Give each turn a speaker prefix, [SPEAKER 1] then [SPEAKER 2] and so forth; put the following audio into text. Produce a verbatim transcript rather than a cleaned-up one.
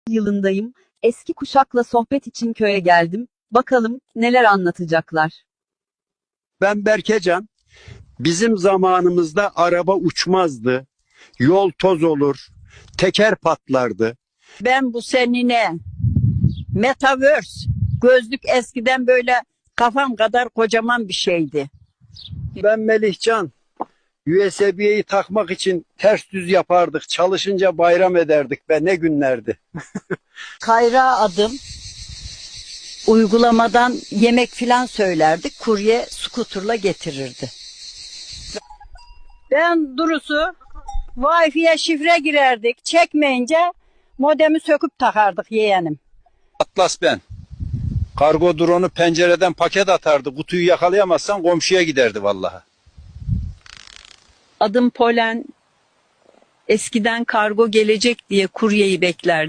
[SPEAKER 1] yılındayım. Eski kuşakla sohbet için köye geldim. Bakalım neler anlatacaklar.
[SPEAKER 2] Ben Berkecan. Bizim zamanımızda araba uçmazdı. Yol toz olur. Teker patlardı.
[SPEAKER 3] Ben bu senine Metaverse gözlük eskiden böyle kafam kadar kocaman bir şeydi.
[SPEAKER 2] Ben Melihcan. U S B'yi takmak için ters düz yapardık. Çalışınca bayram ederdik be, ne günlerdi.
[SPEAKER 3] Kayra adım uygulamadan yemek filan söylerdik. Kurye skuterla getirirdi. Ben Durusu Wi-Fi'ye şifre girerdik. Çekmeyince modemi söküp takardık yeğenim.
[SPEAKER 2] Atlas ben. Kargo drone'u pencereden paket atardı. Kutuyu yakalayamazsan komşuya giderdi vallahi.
[SPEAKER 1] Adım Polen. Eskiden kargo gelecek diye kuryeyi beklerdim.